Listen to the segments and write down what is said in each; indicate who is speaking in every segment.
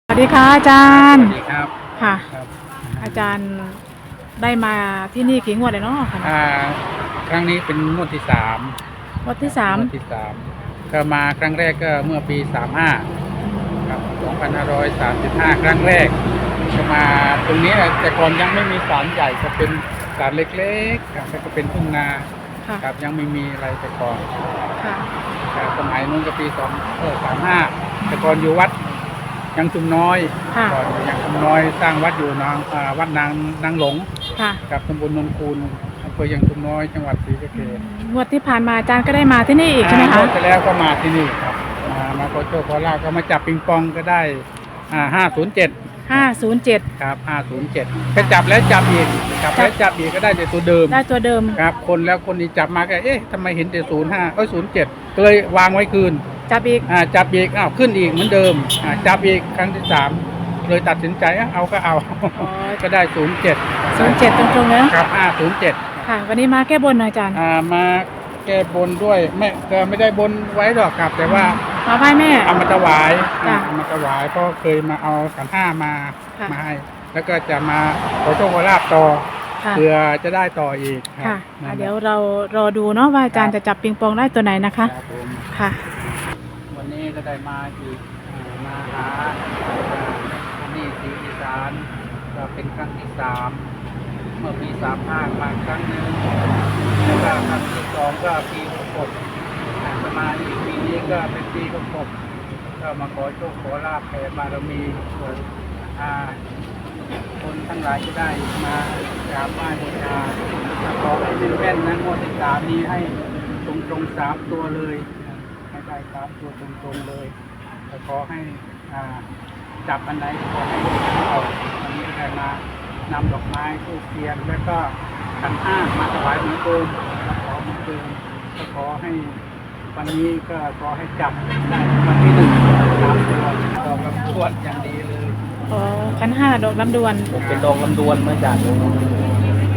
Speaker 1: สวัสดีค่ะอาจารย์
Speaker 2: สวัสดีครับ
Speaker 1: ค่ะ
Speaker 2: ครับ
Speaker 1: อาจารย์ได้มาที่นี่กี่งวดเลยเนาะค่ะ
Speaker 2: ครั้งนี้เป็นงวดที่สาม
Speaker 1: งวดที่สาม
Speaker 2: งวดที่สามก็มาครั้งแรกก็เมื่อปี35ครับ2535ครั้งแรกก็มาตรงนี้แหละแต่ก่อนยังไม่มีศาลใหญ่ก็เป็นศาลเล็กๆครับแล้วก็เป็นทุ่งนา
Speaker 1: ค่ะ
Speaker 2: ครับยังไม่มีอะไรแต่ก่อน
Speaker 1: ค่ะ
Speaker 2: ครับสมัยนู้นก็ปี35แต่ก่อนอยู่วัดยังชุมน้อย
Speaker 1: ค่ะ
Speaker 2: ก่อนยังชุมน้อยสร้างวัดอยู่วัดนางหลง
Speaker 1: ค่ะ
Speaker 2: กับตำบลนนคูนอำเภอยังชุมน้อยจังหวัดศรีสะเกษ
Speaker 1: งวดที่ผ่านมาอาจารย์ก็ได้มาที่นี่อีกใช่ไหมคะ
Speaker 2: งวดที่แล้วก็มาที่นี่ครับมาขอโชคขอลาภก็มาจับปิงปองก็ได้507
Speaker 1: 507
Speaker 2: ครับ507ก็จับแล้วจับอีกจับแล้วจับอีกก็ได้แต่ตัวเดิม
Speaker 1: ได้ตัวเดิม
Speaker 2: ครับคนแล้วคนนี้จับมาก็ทำไมเห็นแต่0507ก็เลยวางไว้คืน
Speaker 1: จับอีก
Speaker 2: จับอีกขึ้นอีกเหมือนเดิมจับอีกครั้งที่3เลยตัดสินใจเอาก็เอาก็ได้07
Speaker 1: ตรงๆเลย
Speaker 2: ครับ507
Speaker 1: ค่ะวันนี้มาแก้บนหน่อยอาจารย์
Speaker 2: มาแก้บนด้วยไม่ได้บนไว้หรอกครับแต่ว่า
Speaker 1: มาไหว้แม่
Speaker 2: เอามาถวาย
Speaker 1: จ้ะ
Speaker 2: เอามาถวายเพราะเคยมาเอาขันห้ามา
Speaker 1: ค่ะ
Speaker 2: มาให้แล้วก็จะมาขอโชคขอลาภต่อ
Speaker 1: ค่ะ
Speaker 2: เพื่อจะได้ต่ออีก
Speaker 1: ค่ะ
Speaker 2: นั่นแหละ
Speaker 1: เดี๋ยวเรารอดูเนาะว่าอาจารย์จะจับปิงปองได้ตัวไหนนะคะ
Speaker 2: ครับผม
Speaker 1: ค่ะ
Speaker 2: วันนี้ก็ได้มาอีกมาหาที่ศรีอีสานก็เป็นครั้งที่3เมื่อปี35มาครั้งหนึ่งแล้วก็ครั้งที่2ก็ปี66จะมาอีกปีนี้ก็เป็นปี66ก็มาขอโชคขอลาภแผ่บารมีส่วนคนทั้งหลายจะได้มากราบไหว้บูชาขอให้เป็นแม่นนะงวดที่3นี้ให้ตรง3ตัวเลยให้ได้3ตัวตรงเลยแล้วขอให้จับอันไหนขอให้เอาวันนี้ก็ได้มานำดอกไม้ธูปเทียนแล้วก็ขันห้ามาถวายเหมือนเดิมขอเหมือนเดิมก็ขอให้วันนี้ก็ขอให้จับได้วันที่1 3 ตัวดอกลำพวดอย่างดีเลย
Speaker 1: อ๋อขันห้าดอกลำดวน
Speaker 2: เป็นดอกลำดวนมาจากดอกลำดวน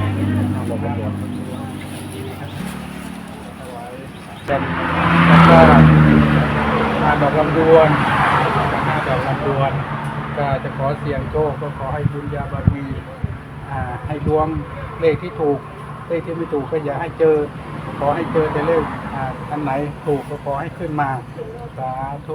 Speaker 2: เป็นแล้วก็ดอกลำดวน5 ดอกลำดวนก็จะขอเสี่ยงโชคก็ขอให้บุญญาบารมีให้ดวงเลขที่ถูกเลขที่ไม่ถูกก็อย่าให้เจอขอให้เจอแต่เลขอันไหนถูกก็ขอให้ขึ้นมาสาธุ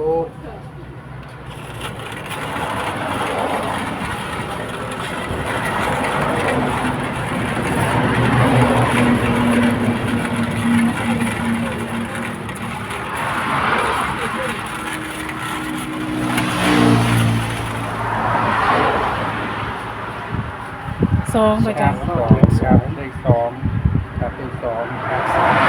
Speaker 1: 2อาจารย์
Speaker 2: ครับเลข2ครับเลข2ครับ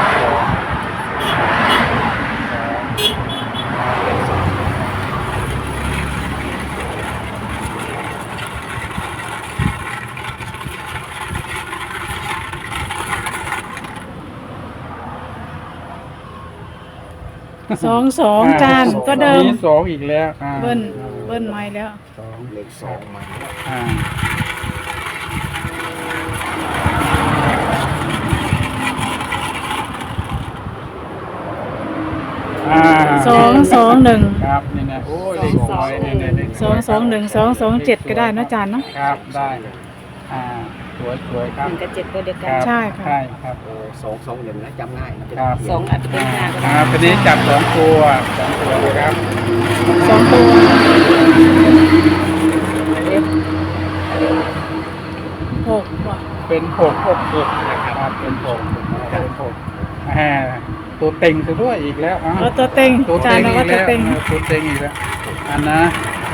Speaker 1: 2อาจารย์ก็เดิม
Speaker 2: มี2อีกแล้ว
Speaker 1: เบิ้ลไม้แล้ว
Speaker 2: เลข2มา
Speaker 1: 221
Speaker 2: ครับนี่นะโอ้เลข2เนี่ย
Speaker 1: 221 227ก็ได้นะอาจารย์เนาะ
Speaker 2: ครับได้สวยครับ
Speaker 3: 1 กับ 7ตัวเดียวกัน
Speaker 1: ใช่ค่ะ
Speaker 2: ใช่ครับ
Speaker 4: 221นะจำง่าย
Speaker 2: ครับ
Speaker 3: 2อาจจะเป็น5ก็ได้
Speaker 2: ทีนี้จับ2 ตัวนะครับ
Speaker 1: 2 ตัว6ว่ะ
Speaker 2: เป็น6นะครับเป็น6ตัวเต็งซะด้วยอีกแล้ว
Speaker 1: ตัวเต็ง
Speaker 2: ตัว
Speaker 1: อาจารย์ว่าตัวเต็ง
Speaker 2: อีกแล้วอันนะ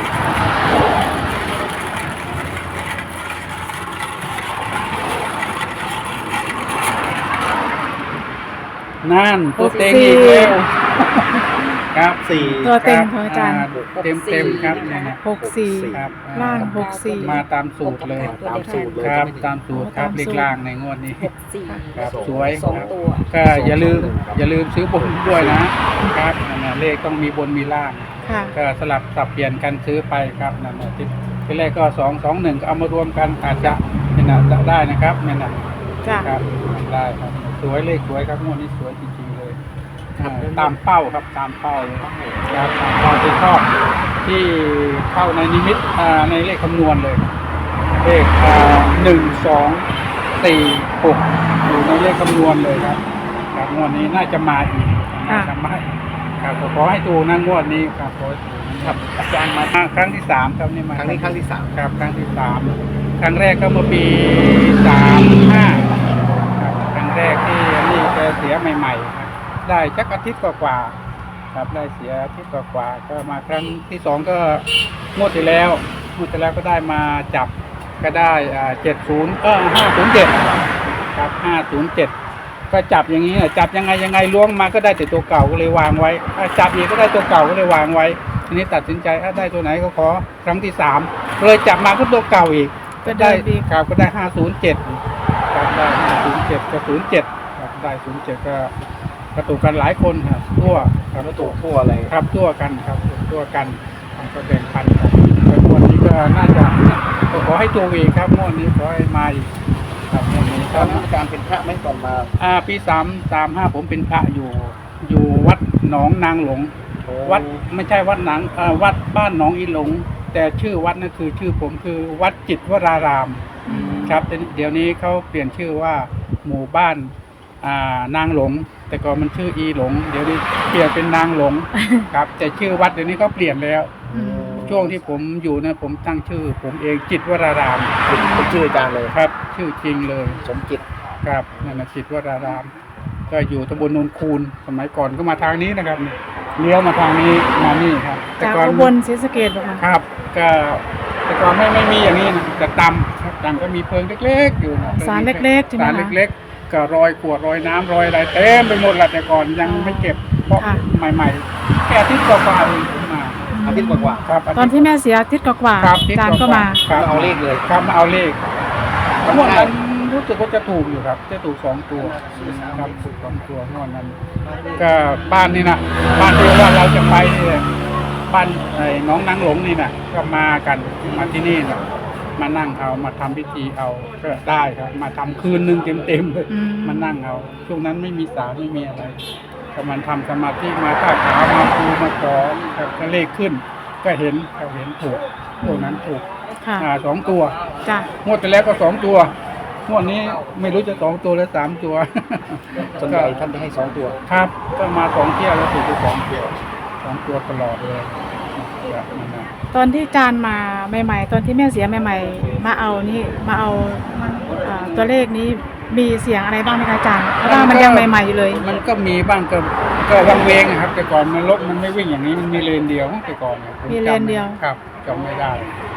Speaker 2: นั่นตัวเต็งอีกแล้วครับ4
Speaker 1: ตัวเต็งของอาจารย์
Speaker 2: เต็มครับ
Speaker 1: 64
Speaker 2: ครับ
Speaker 1: ล่าง64
Speaker 2: มาตามสูตรเลยครับตามสูตรครับเลขล่างในงวดนี้ครับสวย
Speaker 3: 2 ตัว
Speaker 2: ก็อย่าลืมซื้อบนด้วยนะครับเลขต้องมีบนมีล่างก็สลับสับเปลี่ยนกันซื้อไปครับนั่นทีแรกก็221ก็เอามารวมกันอาจจะจะได้นะครับเนี่ยนะครับได้ครับสวยเลขสวยครับงวดนี้สวยจริงๆเลยตามเป้าครับตามเป้าเลยครับตามเป้าที่ชอบที่เข้าในนิมิตในเลขคำนวณเลยเลข1 2 4 6อยู่ในเลขคำนวณเลยครับครับงวดนี้น่าจะมาอีกน่าจะมาอีกครับขอให้ถูกนะงวดนี้ครับขอให้ถูกครับอาจารย์มาครั้งที่3ครับนี่มา
Speaker 4: ครั้งนี้ครั้งที่3
Speaker 2: ครับครั้งที่3ครั้งแรกก็เมื่อปี35ครับครั้งแรกที่นี่แกเสียใหม่ๆครับได้จักอาทิตย์กว่าๆครับได้เสียอาทิตย์กว่าๆก็มาครั้งที่2ก็งวดที่แล้วก็ได้มาจับก็ได้507ครับ507ก็จับอย่างนี้จับยังไงล้วงมาก็ได้แต่ตัวเก่าก็เลยวางไว้จับอีกก็ได้ตัวเก่าก็เลยวางไว้ทีนี้ตัดสินใจได้ตัวไหนก็ขอครั้งที่3เลยจับมาก็ตัวเก่าอีกก็ได้ครับก็ได้507ครับได้507กับ07ครับได้07ก็ถูกกันหลายคนครับทั่วครับ
Speaker 4: แล้วตัวทั่วอะไร
Speaker 2: ครับทั่วกันครับทั่วกันก็แบ่งพันกันแต่งวดนี้ก็น่าจะขอให้ตัวอีกครับงวดนี้ขอให้มาอีกครับงวดนี้
Speaker 4: ตอนนั้นอาจารย์เป็นพระไหมก่อนมา
Speaker 2: ปี35ผมเป็นพระอยู่วัดหนองนางหลงวัดไม่ใช่วัดหนังวัดบ้านหนองอีหลงแต่ชื่อวัดนั่นคือชื่อผมคือวัดจิตวรารามครับเดี๋ยวนี้เขาเปลี่ยนชื่อว่าหมู่บ้านนางหลงแต่ก่อนมันชื่ออีหลงเดี๋ยวนี้เปลี่ยนเป็นนางหลงครับแต่ชื่อวัดเดี๋ยวนี้เขาเปลี่ยนแล้วช่วงที่ผมอยู่นะผมตั้งชื่อผมเองจิตวราราม
Speaker 4: เป็นชื่ออาจารย์เลย
Speaker 2: ครับชื่อจริงเลย
Speaker 4: สมจิต
Speaker 2: ครับนั่นนะจิตวรารามก็อยู่ตำบลโนนคูนสมัยก่อนก็มาทางนี้นะครับเลี้ยวมาทางนี้มานี่ครับ
Speaker 1: จาก
Speaker 2: ก่อน
Speaker 1: อุบลศรีสะเกษบ่คะ
Speaker 2: ครับก็แต่ก่อนไม่มีอย่างนี้นะแต่ตำก็มีเพิงเล็กๆอยู่นะ
Speaker 1: สารเล็กๆใช่ไหม
Speaker 2: สาร
Speaker 1: คะ
Speaker 2: เล็กๆก็รอยขวดรอยน้ำรอยอะไรเต็มไปหมดแหละแต่ก่อนยังไม่เก็บเพราะ
Speaker 1: ค่ะ
Speaker 2: ใหม่ๆแค่อาทิตย์กว่าๆเองมา
Speaker 4: อาทิตย์กว่า
Speaker 2: ครับ
Speaker 1: ตอนที่แม่เสียอาทิตย์กว่า
Speaker 2: ครับ
Speaker 1: ๆอาจารย์ก็มา
Speaker 2: ครับ
Speaker 4: เอาเลขเลย
Speaker 2: ครับมาเอาเลขงวดนั้นรู้สึกว่าจะถูกอยู่ครับจะถูก2 ตัวครับถูก2 ตัวงวดนั้น ก็บ้านนี่นะบ้านที่ว่าเราจะไปเนี่ยบ้านน้องนางหลงนี่นะก็มากันมาที่นี่นะมานั่งเอามาทำพิธีเอาก็ได้ครับ มาทำคืนนึงเต็มๆเลย
Speaker 1: อืม
Speaker 2: มานั่งเอาช่วงนั้นไม่มีศาลไม่มีอะไรก็มันทำสมาธิมาท่าขามาคูมาขอครับก็เลขขึ้น ก็เห็นถูกพวกนั้นถูก
Speaker 1: ค่ะ
Speaker 2: 2 ตัว
Speaker 1: จ้ะ
Speaker 2: งวดที่แล้วก็2 ตัวงวดนี้ไม่รู้จะ2 ตัวหรือ3 ตัว
Speaker 4: ส่วนใหญ่ท่านจะให้2 ตัว
Speaker 2: ครับก็มา2 เที่ยวแล้วถูกไป2 ตัว2 ตัวตลอดเลยครับนั่นนะ
Speaker 1: ตอนที่อาจารย์มาใหม่ๆตอนที่แม่เสียใหม่ๆมาเอาตัวเลขนี้มีเสียงอะไรบ้างไหมคะอาจารย์เพราะว่ามันยังใหม่ๆอยู่เลย
Speaker 2: มันก็มีบ้างก็วังเวงอะครับ แต่ก่อนมันรถมันไม่วิ่งอย่างนี้มันมีเลนเดียวแต่ก่อนยผ
Speaker 1: มีเลนเดียว
Speaker 2: ครับจำไม่ได้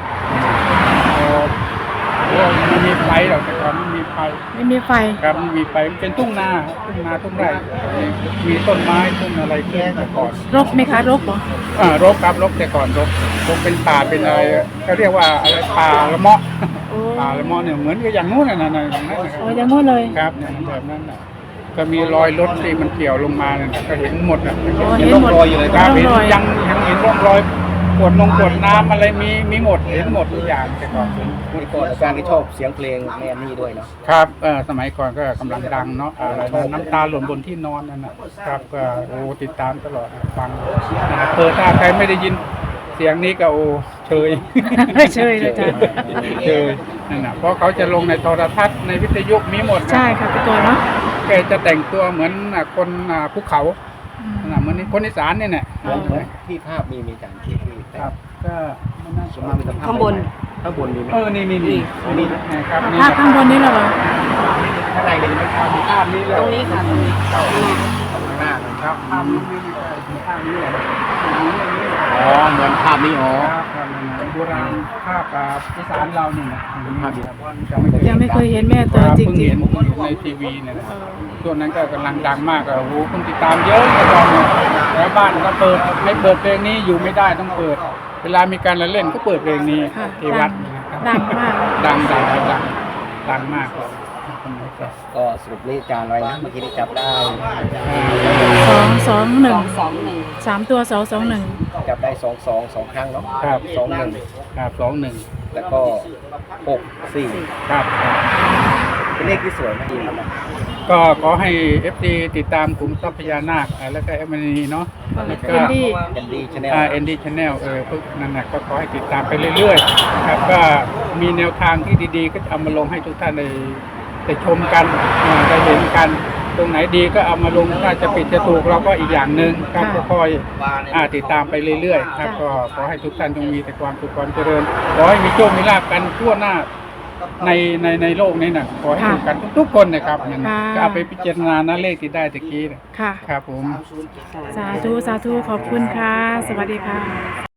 Speaker 2: มันมีไฟหรอกแต่ก่อนไม่มีไฟ
Speaker 1: ไม่มีไฟ
Speaker 2: ครับมันมีไฟมันเป็นทุ่งนาทุ่งไร่มีต้นไม้ต้นอะไรขึ้นแต่ก่อน
Speaker 1: รกไหมคะรกเหรอ
Speaker 2: รกครับรกแต่ก่อนรกเป็นป่าเป็นอะไรเขาเรียกว่าอะไรป่าละเมาะ
Speaker 1: โอ้
Speaker 2: ป่าละเมาะเนี่ยเหมือนกับอย่างนู้นน่ะอย่างนั้นนะค
Speaker 1: โอ้
Speaker 2: รับ
Speaker 1: ยังงดเลย
Speaker 2: ครับเนี่ยแบบนั้นน่ะก็มีรอยรถที่มันเกี่ยวลงมาเนี่ยก็เห็นหมดอ่ะ
Speaker 1: โอ้
Speaker 4: เห็
Speaker 1: เห็
Speaker 4: น
Speaker 1: น
Speaker 4: ร่อง
Speaker 1: หมด
Speaker 4: รอยอยู่เลย
Speaker 2: ครับ
Speaker 1: ร่อง
Speaker 2: เห็น
Speaker 1: รอย
Speaker 2: ยังเห็นร่องรอยขวดน้ำอะไรมีหมดเห็นหมดทุกอย่างแต่ก่อน
Speaker 4: นี่ก่อนอาจารย์ที่ชอบเสียงเพลงแม่นี่ด้วยเนาะ
Speaker 2: ครับสมัยก่อนก็กำลังดังเนาะอะไรนะน้ำตาหล่นบนที่นอนนั่นนะครับก็โอ้ติดตามตลอดฟังเปิดถ้าใครไม่ได้ยินเสียงนี้ก็โอ้เชย
Speaker 1: เชยเลยอาจารย์
Speaker 2: เชยนั่นนะเพราะเขาจะลงในโทรทัศน์ในวิทยุมีหมดนะ
Speaker 1: ใช่ค่ะพี่ตัวเนาะ
Speaker 2: แกจะแต่งตัวเหมือนคนภูเขา
Speaker 1: อืม
Speaker 2: เหมือนคนอีสานเนี่ย
Speaker 4: เหมือนที่ภาพมีอาจารย์ที่
Speaker 2: ครับก็มันน่า
Speaker 4: ส่วนมากเป็นภาพ
Speaker 3: ข้างบน
Speaker 4: ข้างบนมีไหม
Speaker 2: นี่นะครับนี่
Speaker 1: ภาพข้างบนนี้เหรอ
Speaker 4: ข้างในเลยไม่เข้า
Speaker 2: ภาพนี้เลย
Speaker 3: ตรงนี้ค่ะตรงนี้
Speaker 4: ข้างหน้าเลย
Speaker 2: ครับภาพนี้ภาพนี้เลย
Speaker 4: อ๋อเหมือนภาพนี้อ๋อ
Speaker 2: ครับโบราณภาพอีสานเรานี่นะ
Speaker 4: ภาพนี้
Speaker 1: ยังไม่เคยเห็นแม่ตัวจ
Speaker 2: เพิ่ง
Speaker 1: ริ
Speaker 2: เห็
Speaker 1: ง
Speaker 2: นในทีวีเนี่ยนะช่วงนั้นก็กำลังดังมากโอ้โหคนติดตามเยอะแต่ตอนนี้แล้วบ้านก็เปิดไม่เปิดเพลงนี้อยู่ไม่ได้ต้องเปิด เวลามีการละเล่นก็เปิดเพลงนี้
Speaker 1: ๆค่ะ
Speaker 2: ที่วัดนะครับ
Speaker 1: ดังมาก
Speaker 2: ดังมากเลยคนนี้ก็
Speaker 4: ก็สรุปเลขอาจารย์ไว้นะเมื่อกี้ได้จับได้
Speaker 1: 221
Speaker 3: 221
Speaker 1: 3 ตัว221
Speaker 4: จับได้2 ครั้งเนาะ
Speaker 2: ครับ
Speaker 4: 21
Speaker 2: ครับ21
Speaker 4: แล้วก็6 4
Speaker 2: ครับ
Speaker 4: เป็นเลขที่สวยมากดีครับ
Speaker 2: ก็ขอให้ FD ติดตามกลุ่มทรัพยานาคแล้วก็เอมนีเนาะแล้วก็
Speaker 1: เอ็นดี้
Speaker 4: เป็นดีชาแนล
Speaker 2: ND Channel พวกนั้นนะก็ขอให้ติดตามไปเรื่อยๆนะครับก็มีแนวทางที่ดีๆ ก็จะเอามาลงให้ทุกท่านได้ชมกันได้เห็นกัน ตรงไหนดีก็เอามาลงถ้าจะผิดจะถูกเราก็อีกอย่างหนึ่งครับก็คอยติดตามไปเรื่อยๆครับก็ขอให้ทุกท่านจงมีแต่ความสุขความเจริญขอให้มีโชคมีลาภกันทั่วหน้าในโลกนี้นะขอให้ถูกกันทุกๆคนนะครับนั่นนะก็เอาไปพิจารณานะเลขที่ได้ตะกี้นะ
Speaker 1: ค่ะ
Speaker 2: ครับผม
Speaker 1: สาธุ สาธุ ขอบคุณค่ะ สวัสดีค่ะ